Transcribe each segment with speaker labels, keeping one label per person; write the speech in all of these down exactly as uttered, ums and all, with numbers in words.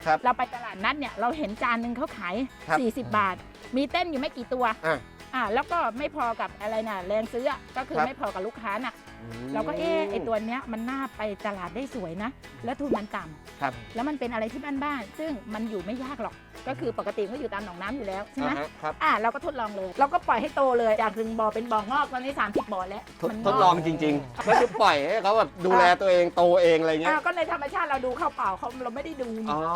Speaker 1: เราไปตลาดนัดเนี่ยเราเห็นจานหนึ่งเขาขายสี่สิบบาทมีเต้นอยู่ไม่กี่ตัวอ่าแล้วก็ไม่พอกับอะไรน่ะแรงซื้อก็คือไม่พอกับลูกค้าน่ะเราก็เออไอตัวเนี้ยมันน่าไปตลาดได้สวยนะแล้วทุนมันต่ำแล้วมันเป็นอะไรที่บ้านๆซึ่งมันอยู่ไม่ยากหรอกก็คือปกติก็อยู่ตามหนองน้ำอยู่แล้วใช่ไหมอ่าเราก็ทดลองเลยเราก็ปล่อยให้โตเลยจากหนึ่งบ่อเป็นบ่องอกตอนนี้สามสิบบ่อแล้ว
Speaker 2: ทดลองจริงๆก็คือปล่อยให้เขาแบบดูแลตัวเองโตเองอะไรเงี้ย
Speaker 1: ก็ในธรรมชาติเราดูเข้าเปล่าเขาเราไม่ได้ดู
Speaker 2: อ๋อ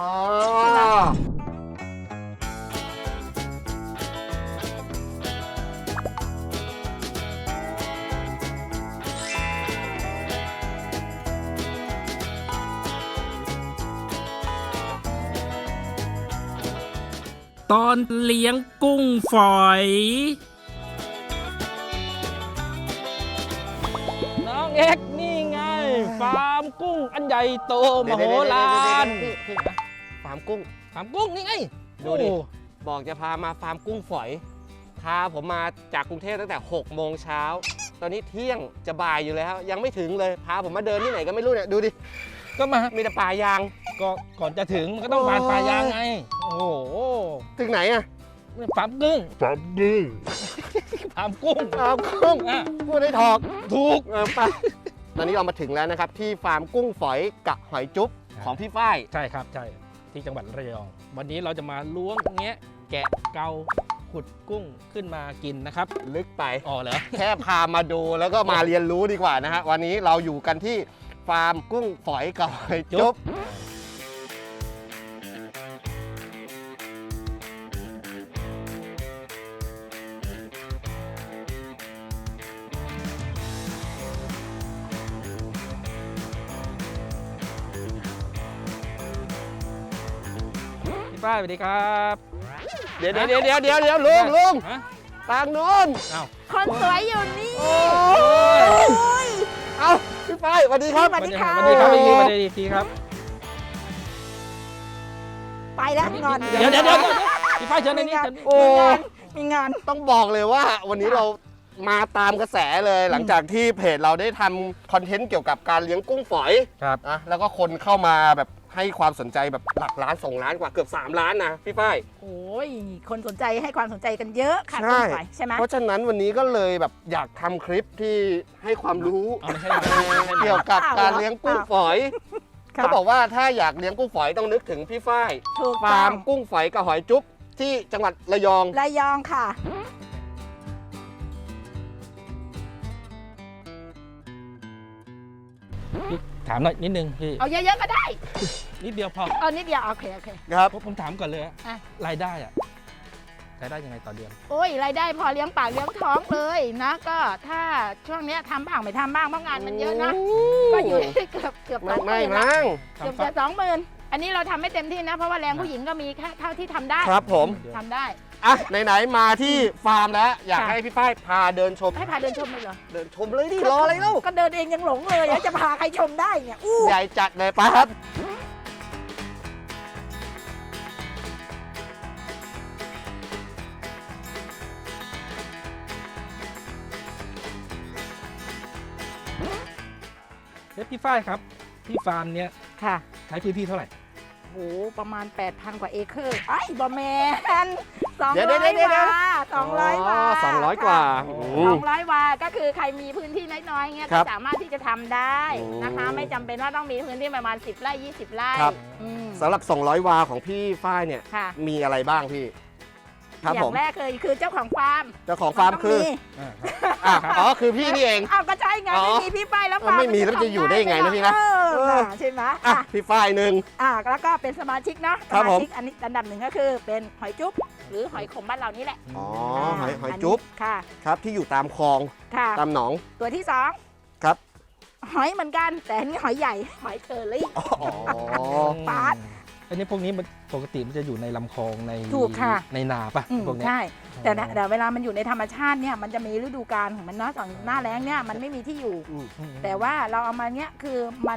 Speaker 3: ตอนเลี้ยงกุ้งฝอยน้องเอ็กนี่ไงฟาร์มกุ้งอันใหญ่โตมโหฬาร
Speaker 2: ฟาร์มกุ้ง
Speaker 3: ฟาร์มกุ้งนี่ไง
Speaker 2: ดูดิบอกจะพามาฟาร์มกุ้งฝอยพาผมมาจากกรุงเทพตั้งแต่หกโมงเช้าตอนนี้เที่ยงจะบ่ายอยู่แล้วยังไม่ถึงเลยพาผมมาเดินที่ไหนก็ไม่รู้เนี่ยดูดิ
Speaker 3: ก็มา
Speaker 2: มีแต่ป่ายาง
Speaker 3: ก็ก่อนจะถึงมันก็ต้องผ่านป่ายางไงโอ้โห
Speaker 2: ถึงไหนอะ
Speaker 3: ฟาร์มกุ้ง
Speaker 2: ฟาร์มกุ้ง
Speaker 3: ฟาร์มกุ้ง
Speaker 2: ฟาร์มกุ้งพูดได้ถูก
Speaker 3: ถูก
Speaker 2: ไปตอนนี้เรามาถึงแล้วนะครับที่ฟาร์มกุ้งฝอยกับหอยจุ๊บของพี่ฝ้าย
Speaker 3: ใช่ครับใช่ที่จังหวัดระยองวันนี้เราจะมาล้วงแงะแกะเกาขุดกุ้งขึ้นมากินนะครับ
Speaker 2: ลึกไป
Speaker 3: อ๋อเหรอ
Speaker 2: แค่พามาดูแล้วก็มาเรียนรู้ดีกว่านะฮะวันนี้เราอยู่กันที่ฟาร์มกุ้งฝอยกับหอยจุ๊บ
Speaker 3: ป้าสวัสดีครับ
Speaker 2: เดี๋ยวเดี๋ยวเดี๋ยวเดี๋ยวเดี๋ยวลุงลุงทางนู้น
Speaker 1: คนสวยอยู่นี่
Speaker 2: เอาพี่ฝ้ายสวัสดีครับ
Speaker 1: สวัสดีครับ
Speaker 3: สวัสดีครับพี่สวัสดีครับ
Speaker 1: ไปแล้วงอน
Speaker 3: เดี๋ยวเดี๋ยวเดี๋ยวพี่ฝ้ายเชิญในนี้
Speaker 2: โอ้
Speaker 1: มีงาน
Speaker 2: ต้องบอกเลยว่าวันนี้เรามาตามกระแสเลยหลังจากที่เพจเราได้ทำคอนเทนต์เกี่ยวกับการเลี้ยงกุ้งฝอย
Speaker 3: ครับ
Speaker 2: นะแล้วก็คนเข้ามาแบบให้ความสนใจแบบหลักล้านสองล้านกว่าเกือบสามล้านนะพี่ฝ้าย
Speaker 1: โอ้ยคนสนใจให้ความสนใจกันเยอะค่ะ
Speaker 2: ใช่
Speaker 1: ใช่ไหม
Speaker 2: เพราะฉะนั้นวันนี้ก็เลยแบบอยากทำคลิปที่ให้ความรู้เกี่ยวกับการเลี้ยงกุ้งฝอยเขาบอกว่าถ้าอยากเลี้ยงกุ้งฝอยต้องนึกถึงพี่ฝ้ายฟาร์มกุ้งฝอยกับหอยจุ๊บที่จังหวัดระยอง
Speaker 1: ระยองค่ะ
Speaker 3: ถามหน่อยนิดนึงพี่
Speaker 1: เอาเยอะๆก็ได้
Speaker 3: นิดเดียวพอ
Speaker 1: เอานิดเดียวโอเคโอเค
Speaker 2: ครับ
Speaker 3: ผมถามก่อนเลยรายได้อะรายได้ยังไงต่อเดือน
Speaker 1: โอ้ยรายได้พอเลี้ยงปากเลี้ยงท้องเลยนะก็ถ้าช่วงนี้ทำบ้างไม่ทำบ้างเพราะงานมันเยอะนะก็อยู่ที่เกือบเกือบสองหมื่น
Speaker 2: นะ
Speaker 1: เกือบจะสองหมื่นอันนี้เราทำไม่เต็มที่นะเพราะว่าแรงผู้หญิงก็มีแค่เท่าที่ทำได้
Speaker 2: ครับผม
Speaker 1: ทำได้
Speaker 2: อ่ะไหนๆมาที่ฟาร์มแล้วอยากให้พี่ฝ้ายพาเดินชม
Speaker 1: ให้พาเดินชมเลยเหรอ
Speaker 2: เดินชมเลยดิรออะไรเล่า
Speaker 1: ก็เดินเองยังหลงเลยจะพาใครชมได้เนี่ยอู้
Speaker 2: ใหญ่จัดเลยไปครับ
Speaker 3: เฮ้ยพี่ฝ้ายครับที่ฟาร์มเนี้ย
Speaker 1: ค่ะ
Speaker 3: ใช้พื้นที่เท่าไหร่
Speaker 1: โหประมาณ แปดพัน กว่าเอเคอร์ไอ้บอแมนสองร้อยวาสองร้อยวา
Speaker 2: สองร้อยกว่า
Speaker 1: สองร้อยวาก็คือใครมีพื้นที่น้อยๆเงี้ยก็สามารถที่จะทำได้นะคะไม่จำเป็นว่าต้องมีพื้นที่ประมาณสิบไร่ยี่สิบไร่
Speaker 2: สำหรับสองร้อยวาของพี่ฝ้ายเนี่ยมีอะไรบ้างพี่
Speaker 1: อย่างแรกเลยคือเจ้าของฟาร์ม
Speaker 2: เจ้าของฟาร์มคืออ๋อคือพี่นี่เอง
Speaker 1: อ้าวก็ใช่ไงไม่มีพี่ฝ้ายแล้วฟาร์ม
Speaker 2: ไม่มีแล้วจะอยู่ได้ยังไงนะพี่นะ
Speaker 1: ใช่ไหม
Speaker 2: อ่ะพี่ฝ้ายหนึ่ง
Speaker 1: อ่ะแล้วก็เป็นสมาชิกนะสมาชิกอันนี้อันดับหนึ่งก็คือเป็นหอยจุ๊บหรือหอยขมบ้านเรานี่แหละ
Speaker 2: อ๋อหอยหอยจุ๊บ
Speaker 1: ค่ะ
Speaker 2: ครับที่อยู่ตามคลองตามหนอง
Speaker 1: ตัวที่สอง
Speaker 2: ครับ
Speaker 1: หอยเหมือนกันแต่อันนี้หอยใหญ่หอยเชอรี่ปาด
Speaker 3: อันนี้พวกนี้มันปกติมันจะอยู่ในลำคลองในในนาป่ะพวกนี้
Speaker 1: ใช่แต่แต่เวลามันอยู่ในธรรมชาติเนี่ยมันจะมีฤดูกาลของมันเนาะตอนหน้าแล้งเนี่ยมันไม่มีที่อยู่แต่ว่าเราเอามาเนี้ยคือมัน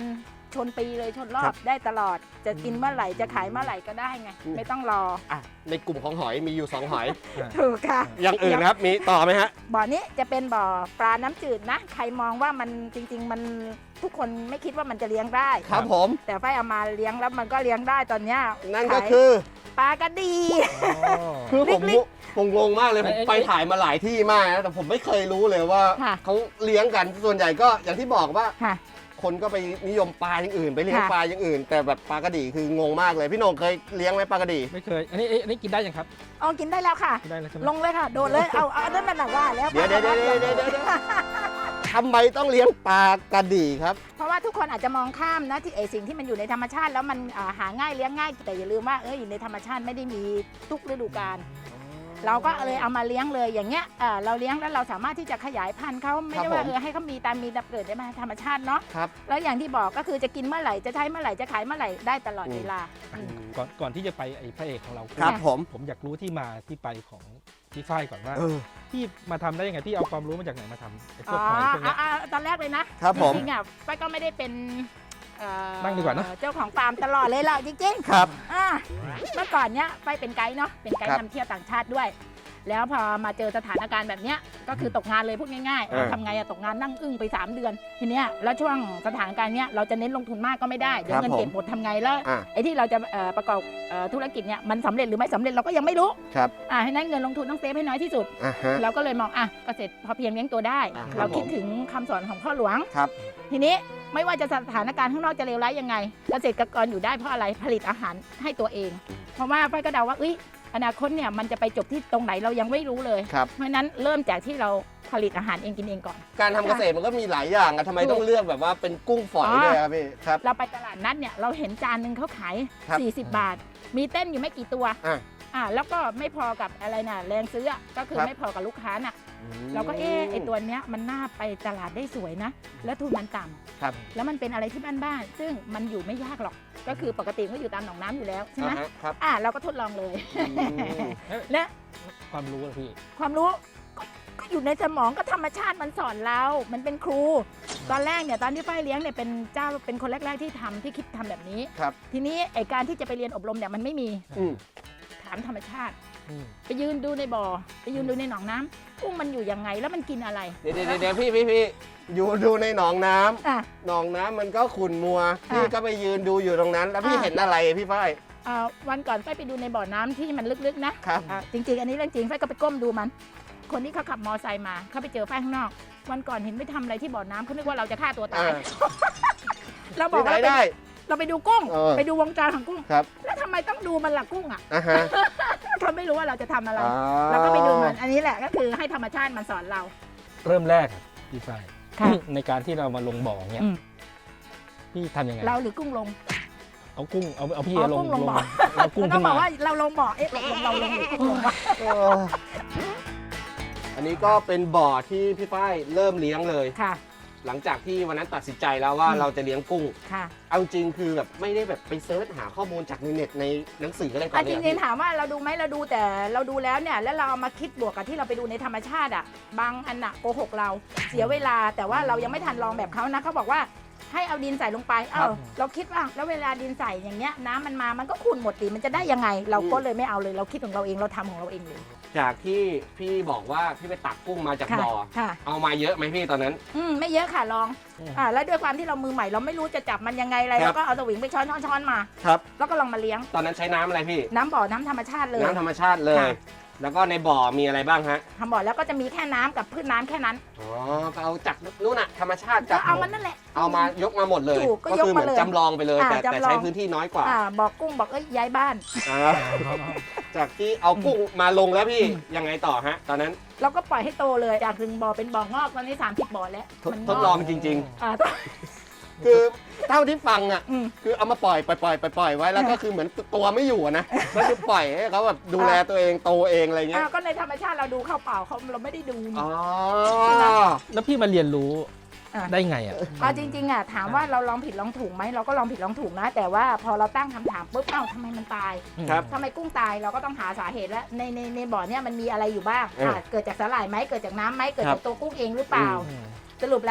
Speaker 1: ชนปีเลยชนรอ
Speaker 2: ครับ บ
Speaker 1: ได้ตลอด จะกินเมื่อไหร่จะขายเมื่อไหร่ก็ได้ไง
Speaker 2: อืม
Speaker 1: ไม่ต้องรอ
Speaker 2: อ่ะในกลุ่มของหอยมีอยู่สองหอย
Speaker 1: ถูกค่ะ
Speaker 2: อย่างอื่นนะครับมีต่อไหมฮะ
Speaker 1: บ่อนี้จะเป็นบ่อปลาน้ำจืดนะ ใครมองว่ามันจริง ๆ มันทุกคนไม่คิดว่ามันจะเลี้ยงได้
Speaker 2: ครับผม
Speaker 1: แต่ฝ้ายเอามาเลี้ยงแล้วมันก็เลี้ยงได้ตอนเนี้ย
Speaker 2: นั่นก็
Speaker 1: ขาย
Speaker 2: คือ
Speaker 1: ปลากระดี
Speaker 2: คือผม
Speaker 1: ลิก
Speaker 2: ผมงงมากเลยผม
Speaker 3: เอ้ย
Speaker 2: ไปถ่ายมาหลายที่มากนะแต่ผมไม่เคยรู้เลยว่า
Speaker 1: ค่ะ
Speaker 2: เขาเลี้ยงกันส่วนใหญ่ก็อย่างที่บอกว่า
Speaker 1: ค่ะ
Speaker 2: คนก็ไปนิยมปลาอย่างอื่น ไปเลี้ยง
Speaker 1: ค่ะ
Speaker 2: ปลาอย่างอื่น แต่แบบปลากระดีคืองงมากเลยพี่โหน่งเคยเลี้ยงไหมปลากระดี
Speaker 3: ไม่เคย อันนี้อันนี้กินได้ยังครับ
Speaker 1: เอากินได้แล้วค่ะ
Speaker 3: กินได้แล้วใช่ไหม
Speaker 1: ลงเลยค่ะ โดดเลย เอาเอาอันนั้นมันหนักว่าแล้ว
Speaker 2: เดี๋ยวเดี๋ยวเดี๋ยวเดี๋ยวเดี๋ยวเดี๋ยวทำไมต้องเลี้ยงปลากระดีครับ
Speaker 1: เพราะว่าทุกคนอาจจะมองข้ามนะที่ไอสิ่งที่มันอยู่ในธรรมชาติแล้วมันอ่าหาง่ายเลี้ยงง่ายแต่อย่าลืมว่าเอออยู่ในธรรมชาติไม่ได้มีทุกฤดูกาลเราก็เลยเอามาเลี้ยงเลยอย่างเงี้ยอ่าเราเลี้ยงแล้วเราสามารถที่จะขยายพันธุ์เขาไม่ได้ว่า
Speaker 2: ผม
Speaker 1: เออให้เขามีตามมีตามเกิดได้ไหมธรรมชาติเนาะ
Speaker 2: ครับ
Speaker 1: แล้วอย่างที่บอกก็คือจะกินเมื่อไหร่จะใช้เมื่อไหร่จะขายเมื่อไหร่ได้ตลอดเวลาอืม
Speaker 3: ก่อนก่อนที่จะไปไอ้พระเอกของเรา
Speaker 2: ครับผม
Speaker 3: ผมอยากรู้ที่มาที่ไปของพี่ฝ้ายก่อนว่า
Speaker 2: เออ
Speaker 3: พี่มาทำได้ยังไงพี่เอาความรู้มาจากไหนมาทำไอ้พ
Speaker 1: อ๋
Speaker 3: ว
Speaker 1: อก
Speaker 3: หอยพวกเนี้ย
Speaker 1: อ่าอ่าตอนแรกเลยนะครับ
Speaker 2: ผม
Speaker 1: จริงๆอ่ะป้ายก็ไม่ได้เป็นเอ่อ
Speaker 3: นั่งดีกว่านะ
Speaker 1: เจ้าของฟาร์มตลอดเลยหรอกจริงๆ
Speaker 2: ครับ
Speaker 1: อ่าเมื่อก่อนเนี้ยไปเป็นไกด์เนาะเป็นไกด์
Speaker 2: ครับ
Speaker 1: นำเที่ยวต่างชาติด้วย แล้วพอมาเจอสถานการณ์แบบเนี้ยก็คือตกงานเลยพูดง่าย
Speaker 2: เออ
Speaker 1: ๆทำไงอะตกงานนั่งอึ้งไป สาม เดือนทีเนี้ยแล้วช่วงสถานการณ์เนี้ยเราจะเน้นลงทุนมากก็ไม่ได้เดี๋ยวเงินเก็บหมดทำไงแล้ว
Speaker 2: อ่ะ
Speaker 1: ไอ้ที่เราจะเอ่อประกอบเอ่อธุรกิจเนี้ยมันสำเร็จหรือไม่สำเร็จเราก็ยังไม่รู้
Speaker 2: ครับ
Speaker 1: อ่าให้นั้นเงินลงทุนต้องเซฟให้น้อยที่สุด
Speaker 2: อ่ะฮะ
Speaker 1: เราก็เลยมองอ่ะเกษตรพอเพียงเลี้ยงตัวได้
Speaker 2: อ่าครับ
Speaker 1: เราคิด
Speaker 2: ผม
Speaker 1: ถึงคำสอนของพ่อหลวง
Speaker 2: ครับ
Speaker 1: ทีนี้ไม่ว่าจะสถานการณ์ข้างนอกจะเลวร้ายยังไง เกษตรกรอยู่ได้เพราะอะไรผลิตอาหารให้ตัวเอง เพราะว่าป้ายก็เดาว่าเอ้ยอนาคตเนี่ยมันจะไปจบที่ตรงไหนเรายังไม่รู้เลย
Speaker 2: ครับ
Speaker 1: เพราะฉะนั้นเริ่มจากที่เราผลิตอาหารเองกินเองก่อน
Speaker 2: การทำเกษตรมันก็มีหลายอย่างอะทำไมต้องเลือกแบบว่าเป็นกุ้งฝอย
Speaker 1: อ๋อ
Speaker 2: ด้วยครับพี่ครับ
Speaker 1: เราไปตลาดนัดเนี่ยเราเห็นจานหนึ่งเขาขาย
Speaker 2: ครับ
Speaker 1: สี่สิบบาท มีเต้นอยู่ไม่กี่ตัว
Speaker 2: อ่ะ
Speaker 1: อ่าแล้วก็ไม่พอกับอะไรน่ะแรงซื้ออะก็คือ
Speaker 2: ครับ
Speaker 1: ไม่พอกับลูกค้าน่ะ
Speaker 2: อืม
Speaker 1: เราก็เออไอตัวเนี้ยมันน่าไปตลาดได้สวยนะ แล้วทุนมันต่ำ
Speaker 2: ครับ
Speaker 1: แล้วมันเป็นอะไรที่บ้านๆซึ่งมันอยู่ไม่ยากหรอก ก็คือปกติก็อยู่ตามหนองน้ำอยู่แล้วใช่ไหม
Speaker 2: อ่าฮะครับ
Speaker 1: อ่าเราก็ทดลองเลย
Speaker 2: อืม
Speaker 1: และ
Speaker 3: ความรู้อะพี่
Speaker 1: ความรู้ก็ก็อยู่ในสมองก็ธรรมชาติมันสอนเรา มันเป็นครู ตอนแรกเนี่ยตอนที่ฝ้ายเลี้ยงเนี่ยเป็นเจ้าเป็นคนแรก ๆที่ทำที่คิดทำแบบนี้
Speaker 2: ครับ
Speaker 1: ทีนี้ไอการที่จะไปเรียนอบรมเนี่ยมันไม่มี
Speaker 2: อืม
Speaker 1: ถามธรรมชาติ
Speaker 3: อืม
Speaker 1: ไปยืนดูในบ่อ ไปยืนดูในหนองน้ำกุ้งมันอยู่ยังไงแล้วมันกินอะไร
Speaker 2: เดี๋ยวเดี๋ยวเดี๋ยวพี่พี่พี่อยู่ดูในหนองน้ำ
Speaker 1: อ่ะ
Speaker 2: หนองน้ำมันก็ขุ่นมัว
Speaker 1: อ่ะ
Speaker 2: พี่ก็ไปยืนดูอยู่ตรงนั้น แล้วพี่
Speaker 1: อ่ะ
Speaker 2: เห็นอะไรพี่ฝ้าย
Speaker 1: อ่าวันก่อนฝ้ายไปดูในบ่อน้ำที่มันลึกๆนะครับ อ่าจริงๆ อันนี้เรื่องจริงฝ้ายก็ไปก้มดูมัน คนที่เขาขับมอไซค์มาเขาไปเจอฝ้ายข้างนอก วันก่อนเห็นไปทำอะไรที่บ่อน้ำเขานึกว่าเราจะฆ่าตัวตาย
Speaker 2: อ่า
Speaker 1: เราบอก
Speaker 2: ที่ไหน
Speaker 1: ว่าเราไป
Speaker 2: ได้
Speaker 1: เราไปดูกุ้ง
Speaker 2: เออ
Speaker 1: ไปดูวงจรของกุ้ง
Speaker 2: ครับ
Speaker 1: แล้วทำไมต้องดูมันล่ะกุ้งอ่ะ
Speaker 2: อ่ะฮะ
Speaker 1: เขาไม่รู้ว่าเราจะทำอะไร
Speaker 2: อ๋อ
Speaker 1: เราก็ไปดูมัน อันนี้แหละก็คือให้ธรรมชาติมันสอนเรา
Speaker 3: เริ่มแรกอะพี่ฝ้าย
Speaker 1: ค่ะ
Speaker 3: ในการที่เรามาลงบ่อเนี้ย
Speaker 1: อืม
Speaker 3: พี่ทำยังไง
Speaker 1: เราหรือกุ้งลง
Speaker 3: เอากุ้งเอาเอาพี่
Speaker 1: อ๋อ
Speaker 3: ลง
Speaker 1: กุ้งลงบ่อ
Speaker 3: เอากุ้ง
Speaker 1: มันต้
Speaker 3: ขึ้
Speaker 1: อง
Speaker 3: น
Speaker 1: บ
Speaker 3: มา
Speaker 1: อกว่าเราลงบ่อ เอ๊ะลงเราลงหรือกุ้งลงวะ
Speaker 2: เอออันนี้ก็เป็นบ่อที่พี่ฝ้ายเริ่มเลี้ยงเลย
Speaker 1: ค่ะ
Speaker 2: หลังจากที่วันนั้นตัดสินใจแล้วว่า
Speaker 1: อืม
Speaker 2: เราจะเลี้ยงกุ้ง
Speaker 1: ค่ะ
Speaker 2: เอาจริงคือแบบไม่ได้แบบไปเซิร์ชหาข้อมูลจากในเน็ตในหนังสืออะไรก่อน
Speaker 1: อ่ะ
Speaker 2: เล
Speaker 1: จ
Speaker 2: ย
Speaker 1: ริงๆถามว่าเราดูไหมเราดูแต่เราดูแล้วเนี่ยแล้วเราเอามาคิดบวกกับที่เราไปดูในธรรมชาติอ่ะบางอันน่ะโกหกเราเสียเวลาแต่ว่าเรายังไม่ทันลองแบบเขานะเขาบอกว่าให้เอาดินใส่ลงไปเอ้าเราคิดว่าแล้วเวลาดินใส่อย่างเงี้ยน้ำมันมามันก็ขุ่นหมดดิมันจะได้ยังไง เราก็เลยไม่เอาเลยเราคิดของเราเองเราทำของเราเองเลย
Speaker 2: จากที่พี่บอกว่าพี่ไปตักกุ้งมาจาก
Speaker 1: ค่ะ
Speaker 2: บ่อ
Speaker 1: ค่ะ
Speaker 2: เอามาเยอะไหมพี่ตอนนั้น
Speaker 1: อืมไม่เยอะค่ะลองอ่าแล้วด้วยความที่เรามือใหม่เราไม่รู้จะจับมันยังไงอะไร
Speaker 2: ครับ
Speaker 1: เราก็เอาสวิงไปช้อนช้อนช้อนมา
Speaker 2: ครับ
Speaker 1: แล้วก็ลองมาเลี้ยง
Speaker 2: ตอนนั้นใช้น้ำอะไรพี่
Speaker 1: น้ำบ่อน้ำธรรมชาติเลย
Speaker 2: น้ำธรรมชาติเลย
Speaker 1: ค่ะ
Speaker 2: แล้วก็ในบ่อมีอะไรบ้างฮะ
Speaker 1: ทำบ่อแล้วก็จะมีแค่น้ำกับพืชน้ำแค่นั้น
Speaker 2: อ๋อก็เอาจากนู่นน่ะธรรมชาติ
Speaker 1: ก็
Speaker 2: จาก
Speaker 1: เอามันนั่นแหละ
Speaker 2: เอามายกมาหมดเลย
Speaker 1: ถูกก็
Speaker 2: ก็คือเหมือน
Speaker 1: ยกมาเลย
Speaker 2: จำลองไปเลย
Speaker 1: อ่า
Speaker 2: แต่แต่
Speaker 1: จำลอง
Speaker 2: ใช้พื้นที่น้อยกว่า
Speaker 1: อ่าบอกกุ้งบอกเอ้ยย้ายบ้าน
Speaker 2: อ่าจากที่เอากุ้งมาลงแล้วพี่
Speaker 1: อืม
Speaker 2: ยังไงต่อฮะ ตอนนั้น
Speaker 1: เราก็ปล่อยให้โตเลยจากหนึ่งบ่อเป็นบ่องอกตอนนี้สามสิบบ่อแล้ว
Speaker 2: ทด
Speaker 1: มัน
Speaker 2: ทดลองจริง
Speaker 1: อ่า
Speaker 2: ๆ คือเท่าที่ฟังอ่ะ
Speaker 1: อืม
Speaker 2: คือเอามาปล่อยปล่อยปล่อยปล่อยปล่อยไว้แล้วก็คือเหมือนตัวไม่อยู่อะนะก็คือปล่อยให้เขาแบบดูแลตัวเองโตเองอะไรเงี้
Speaker 1: อ่าย ก็ในธรรมชาติเราดูเข้าเปล่าเขาเราไม่ได้ดูนี่
Speaker 2: อ๋อ
Speaker 3: แล้วพี่มาเรียนรู้
Speaker 1: อ่ะ
Speaker 3: ได้ไงอ่ะ
Speaker 1: เอาจริงๆอ่ะถามว่าเราลองผิดลองถูกไหมเราก็ลองผิดลองถูกนะ แต่ว่าพอเราตั้งคำถามปุ๊บเอ้าทำไมมันตาย
Speaker 2: ครับ
Speaker 1: ทำไมกุ้งตายเราก็ต้องหาสาเหตุแล้วในในในบ่อเนี่ยมันมีอะไรอยู่บ้าง
Speaker 2: เอออ่
Speaker 1: ะเกิดจากสาหร่ายไหมเกิดจากน้ำไหมเกิด
Speaker 2: ครั
Speaker 1: จา
Speaker 2: บ
Speaker 1: กตัวกุ้งเองหรือเปล่า
Speaker 3: อืม
Speaker 1: สรุปแล้ว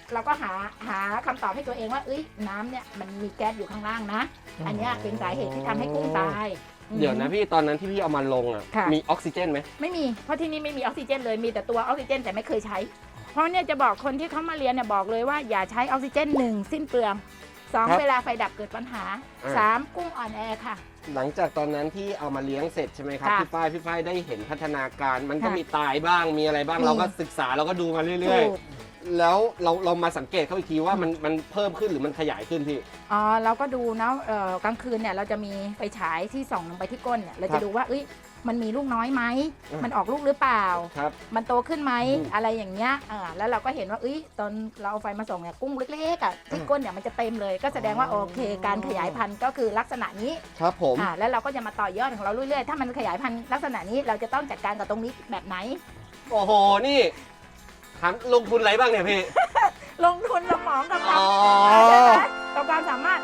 Speaker 1: เราก็หาหาคำตอบให้ตัวเองว่าเอ้ยน้ำเนี่ยมันมีแก๊สอยู่ข้างล่างนะ อันเนี้ยเป็นสาเหตุที่ทำให้กุ้งตาย
Speaker 2: เดี๋ยวนะพี่ตอนนั้นที่พี่เอามาลงอ่ะ
Speaker 1: ค่ะ
Speaker 2: มีออกซิเจนไหม
Speaker 1: ไม่มีเพราะที่นี่ไม่มีออกซิเจนเลยมีแต่ตัวออกซิเจนแต่ไม่เคยใช้ เพราะเนี่ยจะบอกคนที่เขามาเรียนเนี่ยบอกเลยว่าอย่าใช้ออกซิเจนหนึ่งสิ้นเปลืองสองเวลาไฟดับเกิดปัญหาสามกุ้งอ่อนแอค่ะ
Speaker 2: หลังจากตอนนั้นที่เอามาเลี้ยงเสร็จใช่ไหมครับ
Speaker 1: ค่ะ
Speaker 2: พี่ฝ้ายพี่ฝ้ายได้เห็นพัฒนาการมันก็
Speaker 1: ค่ะ
Speaker 2: มีตายบ้างมีอะไรบ้าง
Speaker 1: มี
Speaker 2: เราก็ศึกษาเราก็ดูมาเรื่อย
Speaker 1: ถูก
Speaker 2: ๆ แล้วเราเรามาสังเกตเขาอีกทีว่ามันมันเพิ่มขึ้นหรือมันขยายขึ้นพี่
Speaker 1: อ๋อเราก็ดูนะเอ่อกลางคืนเนี่ยเราจะมีไฟฉายที่ส่องลงไปที่ก้นเนี่ยเรา
Speaker 2: ครั
Speaker 1: จะ
Speaker 2: บ
Speaker 1: ดูว่าเอ้ยมันมีลูกน้อยไหม
Speaker 2: อืม
Speaker 1: มันออกลูกหรือเปล่า
Speaker 2: ครับ
Speaker 1: มันโตขึ้นไหม
Speaker 2: อืม
Speaker 1: อะไรอย่างเงี้ยอ่าแล้วเราก็เห็นว่าเอ้ยตอนเราเอาไฟมาส่องเนี่ยกุ้งเล็กๆอ่ะที่ก้นเนี่ยมันจะเต็มเลย ก็แสดงว่าโอเค การขยายพันธุ์ก็คือลักษณะนี้
Speaker 2: ครับผม
Speaker 1: อ่าแล้วเราก็จะมาต่อยอดของเราเรื่อยๆถ้ามันขยายพันธุ์ลักษณะนี้เราจะต้องจัดการกับตรงนี้แบบไหน
Speaker 2: โอ้โหนี่ถามลงทุนอะไรบ้างเนี่ยพี่
Speaker 1: ลงทุนสมองกับความ
Speaker 2: อ๋อ
Speaker 1: ใช่ไหมกับความสามารถ